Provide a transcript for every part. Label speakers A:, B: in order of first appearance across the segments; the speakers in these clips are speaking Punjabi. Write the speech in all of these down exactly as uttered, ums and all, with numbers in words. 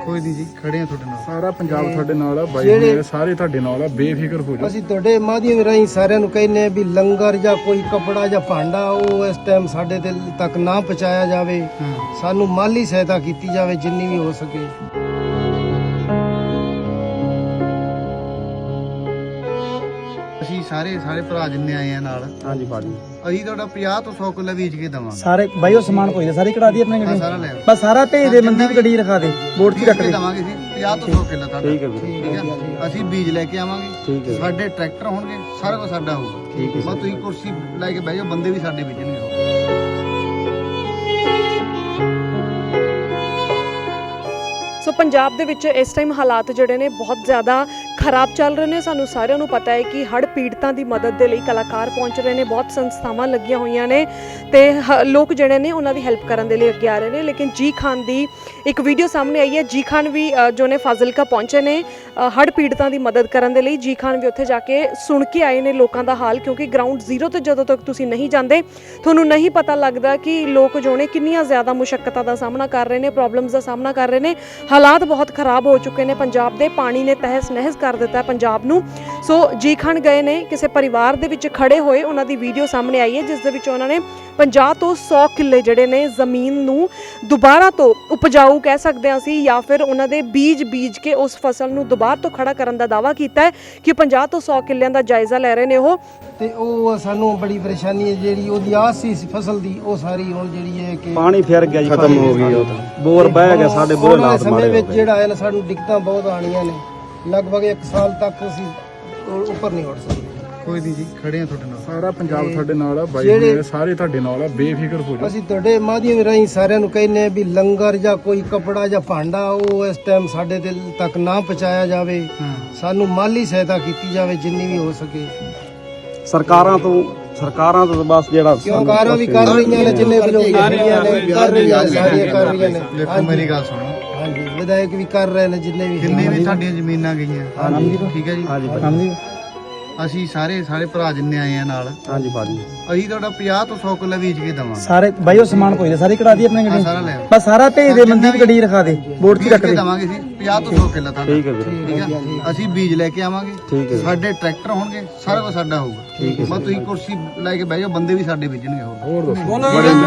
A: ਕੋਈ ਨਹੀਂ ਜੀ, ਖੜੇ ਆ ਤੁਹਾਡੇ ਨਾਲ।
B: ਸਾਰਾ ਪੰਜਾਬ ਤੁਹਾਡੇ ਨਾਲ ਆ ਬਾਈ, ਮੇਰੇ ਸਾਰੇ ਤੁਹਾਡੇ ਨਾਲ ਆ, ਬੇਫਿਕਰ ਹੋ ਜਾਓ।
C: ਅਸੀਂ ਤੁਹਾਡੇ ਮਾਧਿਅਮ ਰਾਹੀਂ ਸਾਰਿਆਂ ਨੂੰ ਕਹਿੰਦੇ ਆ ਵੀ ਲੰਗਰ ਜਾਂ ਕੋਈ ਕਪੜਾ ਜਾਂ ਭਾਂਡਾ ਉਹ ਇਸ ਟਾਈਮ ਸਾਡੇ ਦਿਲ ਤੱਕ ਨਾ ਪਹੁੰਚਾਇਆ ਜਾਵੇ। ਸਾਨੂੰ ਮਾਲੀ ਸਹਾਇਤਾ ਕੀਤੀ ਜਾਵੇ ਜਿੰਨੀ ਵੀ ਹੋ ਸਕੇ।
A: ਅਸੀਂ ਸਾਰੇ ਸਾਰੇ ਭਰਾ ਜਿੰਨੇ ਆਏ ਆ ਨਾਲ,
B: ਹਾਂਜੀ ਬਾਜੀ,
A: ਅਸੀਂ ਤੁਹਾਡਾ ਪੰਜਾਹ ਤੋਂ ਸੌ ਕਿੱਲਾ ਵੇਚ ਕੇ ਦਵਾਂਗੇ।
D: ਸਾਰੇ ਬਾਈ ਉਹ ਸਮਾਨ ਕੋਈ ਨਾ ਸਾਰੇ ਕਢਾ ਦੀ ਆਪਣੇ ਗੱਡੀ,
A: ਸਾਰਾ ਲੈ ਆਓ।
D: ਬਸ ਸਾਰਾ ਭੇਜ ਦੇ, ਮਨਦੀਪ ਗੱਡੀ ਰਖਾ ਦੇ, ਬੋਰਡ 'ਚ ਹੀ ਰੱਖ ਦੇ।
A: ਦਵਾਂਗੇ ਜੀ ਪੰਜਾਹ ਤੋਂ ਸੌ ਕਿੱਲਾ ਤੁਹਾਡਾ।
B: ਠੀਕ ਹੈ ਵੀਰੇ,
A: ਠੀਕ ਹੈ, ਅਸੀਂ ਬੀਜ ਲੈ ਕੇ ਆਵਾਂਗੇ।
B: ਠੀਕ ਹੈ,
A: ਸਾਡੇ ਟਰੈਕਟਰ ਹੋਣਗੇ, ਸਾਰਾ ਕੁਝ ਸਾਡਾ ਹੋਊਗਾ।
B: ਠੀਕ ਹੈ,
A: ਬਸ ਤੁਸੀਂ ਕੁਰਸੀ ਲੈ ਕੇ ਬਹਿ ਜਾਓ, ਬੰਦੇ ਵੀ ਸਾਡੇ ਵੇਚਣਗੇ।
E: ਸੋ ਪੰਜਾਬ ਦੇ ਵਿੱਚ ਇਸ ਟਾਈਮ ਹਾਲਾਤ ਜਿਹੜੇ ਨੇ ਬਹੁਤ ਜ਼ਿਆਦਾ ਖਰਾਬ ਚੱਲ ਰਹੇ ਨੇ। ਸਾਨੂੰ ਸਾਰਿਆਂ ਨੂੰ ਪਤਾ ਹੈ ਕਿ ਹੜ੍ਹ ਪੀੜਤਾਂ ਦੀ ਮਦਦ ਦੇ ਲਈ ਕਲਾਕਾਰ ਪਹੁੰਚ ਰਹੇ ਨੇ, ਬਹੁਤ ਸੰਸਥਾਵਾਂ ਲੱਗੀਆਂ ਹੋਈਆਂ ਨੇ ਤੇ ਲੋਕ ਜਿਹੜੇ ਨੇ ਉਹਨਾਂ ਦੀ ਹੈਲਪ ਕਰਨ ਦੇ ਲਈ ਅੱਗੇ ਆ ਰਹੇ ਨੇ। ਲੇਕਿਨ ਜੀ ਖਾਨ ਦੀ ਇੱਕ ਵੀਡੀਓ ਸਾਹਮਣੇ ਆਈ ਹੈ। ਜੀ ਖਾਨ ਵੀ ਜੋ ਨੇ ਫਾਜ਼ਿਲਕਾ ਪਹੁੰਚੇ ਨੇ ਹੜ੍ਹ ਪੀੜਤਾਂ ਦੀ ਮਦਦ ਕਰਨ ਦੇ ਲਈ। ਜੀ ਖਾਨ ਵੀ ਉੱਥੇ ਜਾ ਕੇ ਸੁਣ ਕੇ ਆਏ ਨੇ ਲੋਕਾਂ ਦਾ ਹਾਲ, ਕਿਉਂਕਿ ਗਰਾਊਂਡ ਜ਼ੀਰੋ ਤੇ ਜਦੋਂ ਤੱਕ ਤੁਸੀਂ ਨਹੀਂ ਜਾਂਦੇ ਤੁਹਾਨੂੰ ਨਹੀਂ ਪਤਾ ਲੱਗਦਾ ਕਿ ਲੋਕ ਜੋ ਨੇ ਕਿੰਨੀਆਂ ਜ਼ਿਆਦਾ ਮੁਸ਼ੱਕਤਾਂ ਦਾ ਸਾਹਮਣਾ ਕਰ ਰਹੇ ਨੇ, ਪ੍ਰੋਬਲਮਸ ਦਾ ਸਾਹਮਣਾ ਕਰ ਰਹੇ ਨੇ। ਹਾਲਾਤ ਬਹੁਤ ਖਰਾਬ ਹੋ ਚੁੱਕੇ ਨੇ ਪੰਜਾਬ ਦੇ, ਪਾਣੀ ਨੇ ਤਹਿਸ ਨਹਿਸ ਕਰ ਦਿੱਤਾ ਪੰਜਾਬ ਨੂੰ। ਸੋ ਜੀ ਖਾਨ ਗਏ ਨੇ, ਕਿਸੇ ਪਰਿਵਾਰ ਦੇ ਵਿੱਚ ਖੜੇ ਹੋਏ ਉਹਨਾਂ ਦੀ ਵੀਡੀਓ ਸਾਹਮਣੇ ਆਈ ਹੈ, ਜਿਸ ਦੇ ਵਿੱਚ ਉਹਨਾਂ ਨੇ ਪੰਜਾਹ ਤੋਂ ਸੌ ਕਿੱਲੇ ਜਿਹੜੇ ਨੇ ਜ਼ਮੀਨ ਨੂੰ ਦੁਬਾਰਾ ਤੋਂ ਉਪਜਾਊ ਕਹਿ ਸਕਦੇ ਹਾਂ ਅਸੀਂ, ਜਾਂ ਫਿਰ ਉਹਨਾਂ ਦੇ ਬੀਜ ਬੀਜ ਕੇ ਉਸ ਫਸਲ ਨੂੰ ਦੁਬਾਰਾ ਤੋਂ ਖੜਾ ਕਰਨ ਦਾ ਦਾਅਵਾ ਕੀਤਾ ਹੈ ਕਿ ਪੰਜਾਹ ਤੋਂ ਸੌ ਕਿੱਲਿਆਂ ਦਾ ਜਾਇਜ਼ਾ ਲੈ ਰਹੇ ਨੇ ਉਹ।
C: ਤੇ ਉਹ ਸਾਨੂੰ ਬੜੀ ਪਰੇਸ਼ਾਨੀ ਹੈ, ਜਿਹੜੀ ਉਹਦੀ ਆਸ ਸੀ ਫਸਲ ਦੀ, ਉਹ ਸਾਰੀ ਹੁਣ ਜਿਹੜੀ ਹੈ ਕਿ
D: ਪਾਣੀ ਫਿਰ ਗਿਆ ਜੀ,
B: ਖਤਮ ਹੋ ਗਈ। ਉਹ ਤਾਂ
D: ਬੋਰ ਬਹਿ ਗਿਆ, ਸਾਡੇ ਬੁਰੇ ਹਾਲਾਤ
C: ਸਮੇਂ ਵਿੱਚ ਜਿਹੜਾ ਹੈ ਨਾ ਸਾਨੂੰ ਦਿੱਕਤਾਂ ਬਹੁਤ ਆਣੀਆਂ ਨੇ। ਲਗਭਗ ਇੱਕ ਸਾਲ ਤੱਕ ਅਸੀਂ ਉੱਪਰ ਨਹੀਂ ਉੱਠ ਸਕਦੇ।
A: ਕੋਈ ਨਹੀਂ ਜੀ, ਖੜੇ ਆ ਤੁਹਾਡੇ ਨਾਲ।
B: ਸਾਰਾ ਪੰਜਾਬ ਤੁਹਾਡੇ ਨਾਲ ਆ ਬਾਈ, ਮੇਰੇ ਸਾਰੇ ਤੁਹਾਡੇ ਨਾਲ ਆ, ਬੇਫਿਕਰ ਹੋ ਜਾਓ।
C: ਅਸੀਂ ਤੁਹਾਡੇ ਮਾਧਿਅਮ ਰਾਹੀਂ ਸਾਰਿਆਂ ਨੂੰ ਕਹਿੰਦੇ ਆ ਵੀ ਲੰਗਰ ਜਾਂ ਕੋਈ ਕਪੜਾ ਜਾਂ ਭਾਂਡਾ ਉਹ ਇਸ ਟਾਈਮ ਸਾਡੇ ਦਿਲ ਤੱਕ ਨਾ ਪਹੁੰਚਾਇਆ ਜਾਵੇ। ਸਾਨੂੰ ਮਾਲੀ ਸਹਾਇਤਾ ਕੀਤੀ ਜਾਵੇ ਜਿੰਨੀ ਵੀ ਹੋ ਸਕੇ।
D: ਸਰਕਾਰਾਂ ਤੋਂ ਸਰਕਾਰਾਂ ਤੋਂ ਬਸ ਜਿਹੜਾ
C: ਸਰਕਾਰਾਂ ਵੀ ਕਰ ਰਹੀਆਂ ਨੇ, ਜਿੰਨੇ ਵੀ ਲੋਕ ਕਰ ਰਹੀਆਂ ਨੇ, ਕਰ ਰਹੀਆਂ ਸਾਰੀਆਂ ਕਰ ਰਹੀਆਂ ਨੇ।
A: ਦੇਖੋ ਮੇਰੀ ਗੱਲ ਸੁਣੋ,
C: ਹਾਂਜੀ, ਵਿਧਾਇਕ ਵੀ ਕਰ ਰਹੇ ਨੇ, ਜਿੰਨੇ ਵੀ
A: ਜਿੰਨੇ ਵੀ ਸਾਡੀਆਂ ਜ਼ਮੀਨਾਂ ਗਈਆਂ।
D: ਹਾਂਜੀ
A: ਠੀਕ ਹੈ ਜੀ,
D: ਹਾਂਜੀ
A: ਅਸੀਂ ਸਾਰੇ ਸਾਰੇ ਭਰਾ ਜਿੰਨੇ ਆਏ ਆ ਨਾਲ,
D: ਹਾਂਜੀ ਬਾਜੀ,
A: ਅਸੀਂ ਤੁਹਾਡਾ ਪੰਜਾਹ ਤੋਂ ਸੌ ਕਿੱਲਾ ਵੇਚ ਕੇ ਦਵਾਂਗੇ।
D: ਸਾਰੇ ਬਾਈ ਉਹ ਸਮਾਨ ਕੋਈ ਨਾ ਸਾਰੇ ਕਢਾ ਦੀ ਆਪਣੇ ਗੱਡੀ,
A: ਸਾਰਾ ਲੈ ਆਓ।
D: ਬਸ ਸਾਰਾ ਭੇਜ ਦੇ, ਮਨਦੀਪ ਗੱਡੀ ਰਖਾ ਦੇ, ਬੋਰਡ 'ਚ ਹੀ ਰੱਖ ਦੇ।
A: ਦਵਾਂਗੇ ਜੀ ਪੰਜਾਹ ਤੋਂ ਸੌ ਕਿੱਲਾ ਤੁਹਾਡਾ।
B: ਠੀਕ ਹੈ ਵੀਰੇ,
A: ਠੀਕ ਹੈ, ਅਸੀਂ ਬੀਜ ਲੈ ਕੇ ਆਵਾਂਗੇ।
B: ਠੀਕ ਹੈ,
A: ਸਾਡੇ ਟਰੈਕਟਰ ਹੋਣਗੇ, ਸਾਰਾ ਕੁਝ ਸਾਡਾ ਹੋਊਗਾ।
B: ਠੀਕ ਹੈ,
A: ਬਸ ਤੁਸੀਂ ਕੁਰਸੀ ਲੈ ਕੇ ਬਹਿ ਜਾਓ, ਬੰਦੇ ਵੀ ਸਾਡੇ ਵੇਚਣਗੇ।
B: ਹੋਰ ਦੱਸੋ।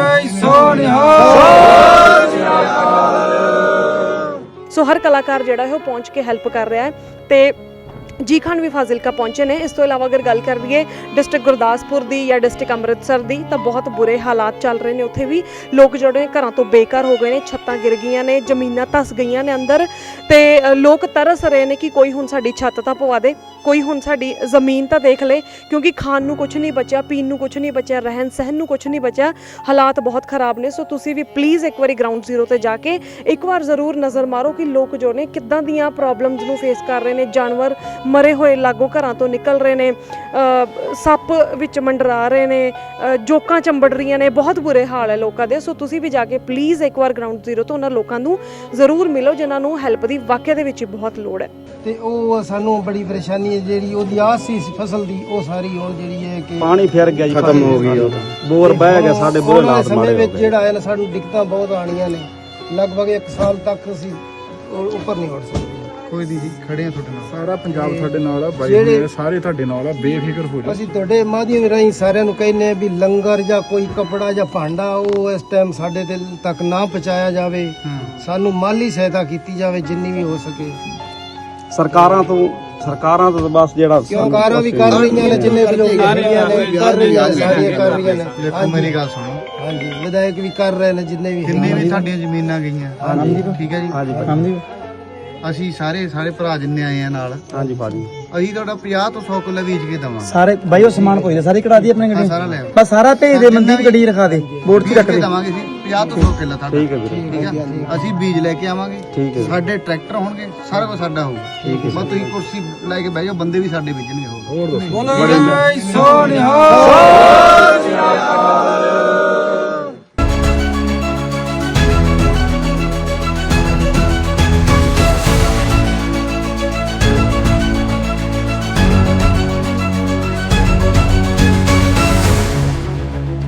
E: ਸੋ ਹਰ ਕਲਾਕਾਰ ਜਿਹੜਾ ਹੈ ਉਹ ਪਹੁੰਚ ਕੇ ਹੈਲਪ ਕਰ ਰਿਹਾ ਹੈ ਤੇ ਜੀ ਖਾਨ ਵੀ ਫਾਜ਼ਿਲਕਾ ਪਹੁੰਚੇ ਨੇ। ਇਸ ਤੋਂ ਇਲਾਵਾ ਅਗਰ ਗੱਲ ਕਰ ਲਈਏ ਡਿਸਟ੍ਰਿਕਟ ਗੁਰਦਾਸਪੁਰ ਦੀ ਜਾਂ ਡਿਸਟ੍ਰਿਕਟ ਅੰਮ੍ਰਿਤਸਰ ਦੀ, ਤਾਂ ਬਹੁਤ ਬੁਰੇ ਹਾਲਾਤ ਚੱਲ ਰਹੇ ਨੇ। ਉੱਥੇ ਵੀ ਲੋਕ ਜਿਹੜੇ ਘਰਾਂ ਤੋਂ ਬੇਘਰ ਹੋ ਗਏ ਨੇ, ਛੱਤਾਂ ਗਿਰ ਗਈਆਂ ਨੇ, ਜ਼ਮੀਨਾਂ ਧਸ ਗਈਆਂ ਨੇ ਅੰਦਰ, ਤੇ ਲੋਕ ਤਰਸ ਰਹੇ ਨੇ ਕਿ ਕੋਈ ਹੁਣ ਸਾਡੀ ਛੱਤ ਤਾਂ ਪਵਾ ਦੇ, ਕੋਈ ਹੁਣ ਸਾਡੀ ਜ਼ਮੀਨ ਤਾਂ ਦੇਖ ਲੈ, ਕਿਉਂਕਿ ਖਾਣ ਨੂੰ ਕੁਝ ਨਹੀਂ ਬਚਿਆ, ਪੀਣ ਨੂੰ ਕੁਝ ਨਹੀਂ ਬਚਿਆ, ਰਹਿਣ ਸਹਿਣ ਨੂੰ ਕੁਝ ਨਹੀਂ ਬਚਿਆ। ਹਾਲਾਤ ਬਹੁਤ ਖਰਾਬ ਨੇ। ਸੋ ਤੁਸੀਂ ਵੀ ਪਲੀਜ਼ ਇੱਕ ਵਾਰੀ ਗਰਾਊਂਡ ਜ਼ੀਰੋ ਤੇ ਜਾ ਕੇ ਇੱਕ ਵਾਰ ਜ਼ਰੂਰ ਨਜ਼ਰ ਮਾਰੋ ਕਿ ਲੋਕ ਜੋ ਨੇ ਕਿੱਦਾਂ ਦੀਆਂ ਪ੍ਰੋਬਲਮਸ ਨੂੰ ਫੇਸ ਕਰ ਰਹੇ ਨੇ। ਜਾਨਵਰ ਮਰੇ ਹੋਏ ਲਾਗੋਂ ਘਰਾਂ ਤੋਂ ਨਿਕਲ ਰਹੇ ਨੇ, ਸੱਪ ਵਿੱਚ ਮੰਡਰਾ ਰਹੇ ਨੇ, ਜੋਕਾਂ ਚੰਬੜ ਰਹੀਆਂ ਨੇ, ਬਹੁਤ ਬੁਰੇ ਹਾਲ ਹੈ ਲੋਕਾਂ ਦੇ। ਸੋ ਤੁਸੀਂ ਵੀ ਜਾ ਕੇ ਪਲੀਜ਼ ਇੱਕ ਵਾਰ ਗਰਾਊਂਡ ਜ਼ੀਰੋ ਤੋਂ ਉਹਨਾਂ ਲੋਕਾਂ ਨੂੰ ਜ਼ਰੂਰ ਮਿਲੋ ਜਿਨ੍ਹਾਂ ਨੂੰ ਹੈਲਪ ਦੀ ਵਾਕਿਆ ਦੇ ਵਿੱਚ ਬਹੁਤ ਲੋੜ ਹੈ।
C: ਤੇ ਉਹ ਸਾਨੂੰ ਬੜੀ ਪਰੇਸ਼ਾਨੀ ਹੈ, ਜਿਹੜੀ ਉਹਦੀ ਆਸ ਸੀ ਫਸਲ ਦੀ, ਉਹ ਸਾਰੀ ਹੁਣ ਜਿਹੜੀ ਹੈ ਕਿ
D: ਪਾਣੀ ਫਿਰ ਗਿਆ ਜੀ,
B: ਖਤਮ ਹੋ ਗਈ। ਉਹ ਤਾਂ
D: ਬੋਰ ਬਹਿ ਗਿਆ, ਸਾਡੇ ਬੁਰੇ ਹਾਲਾਤ
C: ਸਮੇਂ ਵਿੱਚ ਜਿਹੜਾ ਹੈ ਨਾ ਸਾਨੂੰ ਦਿੱਕਤਾਂ ਬਹੁਤ ਆਣੀਆਂ ਨੇ। ਲਗਭਗ ਇੱਕ ਸਾਲ ਤੱਕ ਅਸੀਂ ਉੱਪਰ ਨਹੀਂ ਉੱਠ ਸਕਦੇ।
A: ਕੋਈ ਨਹੀਂ ਜੀ, ਖੜੇ ਆ ਤੁਹਾਡੇ ਨਾਲ।
B: ਸਾਰਾ ਪੰਜਾਬ ਤੁਹਾਡੇ ਨਾਲ ਆ ਬਾਈ, ਮੇਰੇ ਸਾਰੇ ਤੁਹਾਡੇ ਨਾਲ ਆ, ਬੇਫਿਕਰ ਹੋ ਜਾਓ।
C: ਅਸੀਂ ਤੁਹਾਡੇ ਮਾਧਿਅਮ ਰਾਹੀਂ ਸਾਰਿਆਂ ਨੂੰ ਕਹਿੰਦੇ ਆ ਵੀ ਲੰਗਰ ਜਾਂ ਕੋਈ ਕਪੜਾ ਜਾਂ ਭਾਂਡਾ ਉਹ ਇਸ ਟਾਈਮ ਸਾਡੇ ਦਿਲ ਤੱਕ ਨਾ ਪਹੁੰਚਾਇਆ ਜਾਵੇ। ਸਾਨੂੰ ਮਾਲੀ ਸਹਾਇਤਾ ਕੀਤੀ ਜਾਵੇ ਜਿੰਨੀ ਵੀ ਹੋ ਸਕੇ।
D: ਸਰਕਾਰਾਂ ਤੋਂ ਸਰਕਾਰਾਂ ਤੋਂ ਬਸ ਜਿਹੜਾ
C: ਸਰਕਾਰਾਂ ਵੀ ਕਰ ਰਹੀਆਂ ਨੇ, ਜਿੰਨੇ ਵੀ ਲੋਕ ਕਰ ਰਹੀਆਂ ਨੇ, ਕਰ ਰਹੀਆਂ ਸਾਰੀਆਂ ਕਰ ਰਹੀਆਂ ਨੇ।
A: ਦੇਖੋ ਮੇਰੀ ਗੱਲ ਸੁਣੋ,
C: ਹਾਂਜੀ, ਵਿਧਾਇਕ ਵੀ ਕਰ ਰਹੇ ਨੇ, ਜਿੰਨੇ ਵੀ
A: ਜਿੰਨੇ ਵੀ ਸਾਡੀਆਂ ਜ਼ਮੀਨਾਂ ਗਈਆਂ। ਠੀਕ ਹੈ ਜੀ,
D: ਹਾਂਜੀ
A: ਅਸੀਂ ਸਾਰੇ ਸਾਰੇ ਭਰਾ ਜਿੰਨੇ ਆਏ ਆ ਨਾਲ,
D: ਹਾਂਜੀ ਬਾਜੀ,
A: ਅਸੀਂ ਤੁਹਾਡਾ ਪੰਜਾਹ ਤੋਂ ਸੌ ਕਿੱਲਾ ਵੇਚ ਕੇ ਦਵਾਂਗੇ।
D: ਸਾਰੇ ਬਾਈ ਉਹ ਸਮਾਨ ਕੋਈ ਨਾ ਸਾਰੇ ਕਢਾ ਦੀ ਆਪਣੇ ਗੱਡੀ,
A: ਸਾਰਾ ਲੈ ਆਓ।
D: ਬਸ ਸਾਰਾ ਭੇਜ ਦੇ, ਮਨਦੀਪ ਗੱਡੀ ਰਖਾ ਦੇ, ਬੋਰਡ 'ਚ ਹੀ ਰੱਖ ਦੇ।
A: ਦਵਾਂਗੇ ਜੀ ਪੰਜਾਹ ਤੋਂ ਸੌ ਕਿੱਲਾ ਤੁਹਾਡਾ।
B: ਠੀਕ ਹੈ ਵੀਰੇ,
A: ਠੀਕ ਹੈ, ਅਸੀਂ ਬੀਜ ਲੈ ਕੇ ਆਵਾਂਗੇ।
B: ਠੀਕ ਹੈ,
A: ਸਾਡੇ ਟਰੈਕਟਰ ਹੋਣਗੇ, ਸਾਰਾ ਕੁਝ ਸਾਡਾ ਹੋਊਗਾ।
B: ਠੀਕ ਹੈ,
A: ਬਸ ਤੁਸੀਂ ਕੁਰਸੀ ਲੈ ਕੇ ਬਹਿ ਜਾਓ, ਬੰਦੇ ਵੀ ਸਾਡੇ ਵੇਚਣਗੇ।
B: ਹੋਰ ਦੱਸੋ।
C: ਸੋਹਣਿਆ